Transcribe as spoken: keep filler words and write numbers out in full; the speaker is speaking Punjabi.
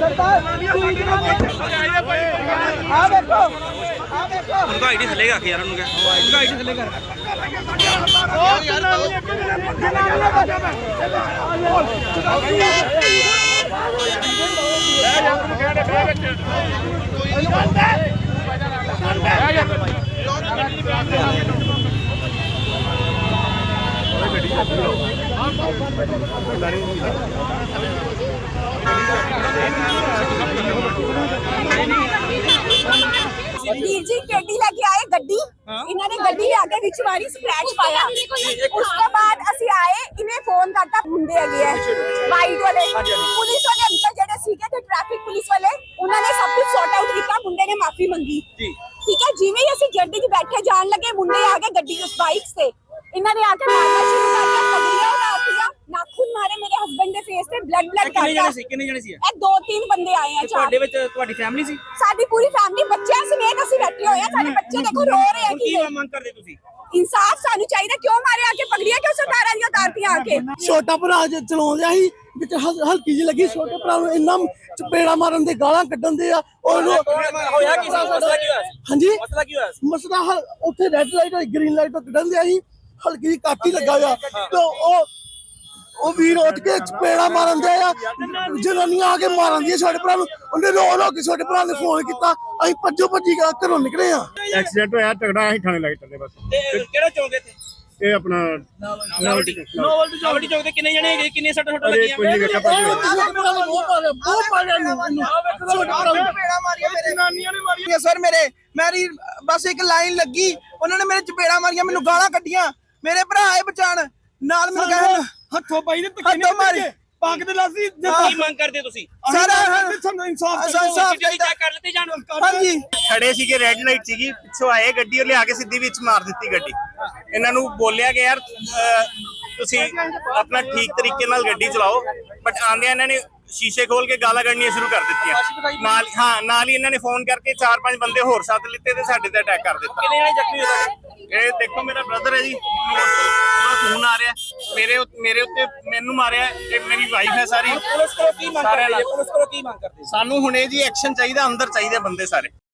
उनका आईडी थले रख यार, उनका उनका आईडी थले कर ਵੀਰ ਜੀ ਗੱਡੀ ਲੈ ਕੇ ਆਏ, ਗੱਡੀ ਇਹਨਾਂ ਨੇ ਗੱਡੀ ਲਿਆ ਕੇ ਵਿੱਚ ਮਾਰੀ, ਸਕ੍ਰੈਚ ਪਾਇਆ। ਉਸ ਤੋਂ ਬਾਅਦ ਅਸੀਂ ਆਏ, ਇਹਨੇ ਫੋਨ ਕਰਤਾ, ਮੁੰਡੇ ਹੈਗੇ ਆ ਵਾਈਟ ਵਾਲੇ, ਪੁਲਿਸ ਵਾਲੇ ਅੰਕਲ ਜਿਹੜੇ ਸੀਗੇ ਤੇ ਟ੍ਰੈਫਿਕ ਪੁਲਿਸ ਵਾਲੇ, ਉਹਨਾਂ ਨੇ ਸਭ ਕੁਝ ਸੌਟ ਆਊਟ ਕੀਤਾ। ਮੁੰਡੇ ਨੇ ਮਾਫੀ ਮੰਗੀ, ਠੀਕ ਹੈ। ਜਿਵੇਂ ਹੀ ਅਸੀਂ ਗੱਡੀ 'ਚ ਬੈਠੇ ਜਾਣ ਲੱਗੇ, ਮੁੰਡੇ ਆ ਗਏ ਗੱਡੀ ਉਸ ਬਾਈਕ ਤੇ, ਇਹਨਾਂ ਨੇ ਆ ਕੇ ਮਾਰਨਾ ਸ਼ੁਰੂ ਕਰ ਦਿੱਤਾ, ਪਗੜੀਆਂ ਉਤਾਰਤੀਆਂ, ਨਾਖੂਨ ਮਾਰੇ ਮੇਰੇ ਹਸਬੰਡ ਦੇ ਫੇਸ ਤੇ, ਬਲੱਡ ਬਲੱਡ ਕਿੰਨੇ ਜਣੇ ਸੀ ਕਿੰਨੇ ਜਣੇ ਸੀ ਇਹ ਦੋ ਤਿੰਨ ਬੰਦੇ ਆਏ ਆ। ਤੁਹਾਡੇ ਵਿੱਚ ਤੁਹਾਡੀ ਫੈਮਿਲੀ ਸੀ? ਸਾਡੀ ਪੂਰੀ ਫੈਮਿਲੀ, ਬੱਚਿਆਂ ਸਮੇਤ ਅਸੀਂ ਬੈਠੇ ਹੋਏ ਆ। ਸਾਡੇ ਬੱਚੇ ਦੇਖੋ ਰੋ ਰਹੇ ਆ। ਕੀ ਮੰਗ ਕਰਦੇ ਤੁਸੀਂ? ਇਨਸਾਫ ਸਾਨੂੰ ਚਾਹੀਦਾ। ਕਿਉਂ ਮਾਰੇ ਆ ਕੇ, ਪਗੜੀਆਂ ਕਿਉਂ ਸਰਕਾਰਾਂ ਦੀਆਂ ਉਤਾਰਤੀਆਂ ਆ ਕੇ? ਛੋਟਾ ਭਰਾ ਚਲਾਉਂਦਿਆ ਸੀ, ਵਿੱਚ ਹਲਕੀ ਜਿਹੀ ਲੱਗੀ, ਛੋਟੇ ਭਰਾ ਨੂੰ ਇੰਨਾ ਚਪੇੜਾ ਮਾਰਨ ਦੇ, ਗਾਲਾਂ ਕੱਢਣ ਦੇ ਆ। ਹੋਇਆ ਕੀ ਸੀ? ਮਸਲਾ ਕੀ ਹੋਇਆ? ਹਾਂਜੀ, ਮਸਲਾ ਕੀ ਹੋਇਆ? ਮਸਲਾ ਉੱਥੇ ਰੈੱਡ ਲਾਈਟ ਗ੍ਰੀਨ ਲਾਈਟ ਤੋਂ ਕੱਢਣ ਦਿਆ ਸੀ, ਹਲਕੀ ਜਿਹੀ ਕਾਟੀ ਲੱਗਾ ਆ ਤੇ ਉਹ ਉਹ ਵੀਰ ਉੱਠ ਕੇ ਚਪੇੜਾ ਮਾਰਨ ਦੇ ਆ, ਜਨਾਨੀਆਂ ਆ ਕੇ ਮਾਰਨ ਦੀਆਂ ਛੋਟੇ ਭਰਾ ਨੂੰ। ਉਹਨੇ ਰੋ ਰੋ ਕੇ ਛੋਟੇ ਭਰਾ ਨੇ ਫੋਨ ਕੀਤਾ, ਅਸੀਂ ਭੱਜੋ ਭੱਜੀ ਘਰੋਂ ਨਿਕਲੇ ਆ। ਐਕਸੀਡੈਂਟ ਹੋਇਆ, ਤਗੜਾ, ਅਸੀਂ ਥਾਣੇ ਲੱਗ ਚੱਲੇ ਬਸ। ਤੇ ਕਿਹੜਾ ਚੌਂਕ ਇੱਥੇ? ਇਹ ਆਪਣਾ ਨੋਵਲਟੀ ਨੋਵਲਟੀ ਚੌਂਕ ਤੇ ਕਿੰਨੇ ਜਣੇ ਹੈਗੇ? ਕਿੰਨੇ ਸੱਟ ਫੁੱਟ ਲੱਗੀਆਂ? ਕੋਈ ਨਹੀਂ ਵੇਖਿਆ ਭਾਜੀ। ਸਰ ਮੇਰੇ ਮੇਰੀ ਬਸ ਇੱਕ ਲਾਈਨ ਲੱਗੀ, ਉਹਨਾਂ ਨੇ ਮੇਰੇ ਚਪੇੜਾ ਮਾਰੀਆਂ, ਮੈਨੂੰ ਗਾਲਾਂ ਕੱਢੀਆਂ। ਮੇਰੇ ਭਰਾ ਆਏ ਬਚਾਣ ਨਾਲ, ਮੈਨੂੰ ਕਹਿਣ ਹੱਥੋਂ ਪਾਈ ਦੇ ਹੱਥੋਂ ਮਾਰੇ, ਪੱਗ ਦੇ ਲਾਸੀ ਕੀ ਮੰਗ ਕਰਦੇ ਤੁਸੀਂ? ਸਾਰਾ ਸਾਨੂੰ ਇਨਸਾਫ ਇਨਸਾਫ ਚਾਹੀਦਾ। ਚੈੱਕ ਕਰ ਲਿੱਤੇ ਜਾਣ। ਹਾਂਜੀ, ਖੜੇ ਸੀਗੇ, ਰੈੱਡ ਲਾਈਟ ਸੀਗੀ, ਪਿੱਛੋਂ ਆਏ ਗੱਡੀ ਉਹ ਲਿਆ ਕੇ ਸਿੱਧੀ ਵਿੱਚ ਮਾਰ ਦਿੱਤੀ ਗੱਡੀ। ਇਹਨਾਂ ਨੂੰ ਬੋਲਿਆ ਕਿ ਯਾਰ ਤੁਸੀਂ ਆਪਣਾ ਠੀਕ ਤਰੀਕੇ ਨਾਲ ਗੱਡੀ ਚਲਾਓ, ਬਟ ਆਂਦਿਆਂ ਇਹਨਾਂ ਨੇ ਸ਼ੀਸ਼ੇ ਖੋਲ ਕੇ ਗਾਲਾਂ ਕੱਢਣੀਆਂ ਸ਼ੁਰੂ ਕਰ ਦਿੱਤੀਆਂ। ਨਾਲ ਹਾਂ ਨਾਲ ਹੀ ਇਹਨਾਂ ਨੇ ਫੋਨ ਕਰਕੇ ਚਾਰ ਪੰਜ ਬੰਦੇ ਹੋਰ ਸਾਥ ਲਿੱਤੇ ਤੇ ਸਾਡੇ ਤੇ ਅਟੈਕ ਕਰ ਦਿੱਤਾ। ਕਿੰਨੇ ਜਣੇ ਜ਼ਖਮੀ ਹੋਏ? ਇਹ ਦੇਖੋ ਮੇਰਾ ਬ੍ਰਦਰ ਹੈ ਜੀ, ਫੋਨ ਆ ਰਿਹਾ ਮੇਰੇ ਮੇਰੇ ਉੱਤੇ, ਮੈਨੂੰ ਮਾਰਿਆ, ਤੇ ਮੇਰੀ ਵਾਈਫ ਹੈ ਸਾਰੀ। ਪੁਲਿਸ ਕੋਲ ਕੀ ਮੰਗ ਕਰਦੇ? ਪੁਲਿਸ ਕੋਲ ਕੀ ਮੰਗ ਕਰਦੇ? ਸਾਨੂੰ ਹੁਣੇ ਜੀ ਐਕਸ਼ਨ ਚਾਹੀਦਾ, ਅੰਦਰ ਚਾਹੀਦੇ ਬੰਦੇ ਸਾਰੇ।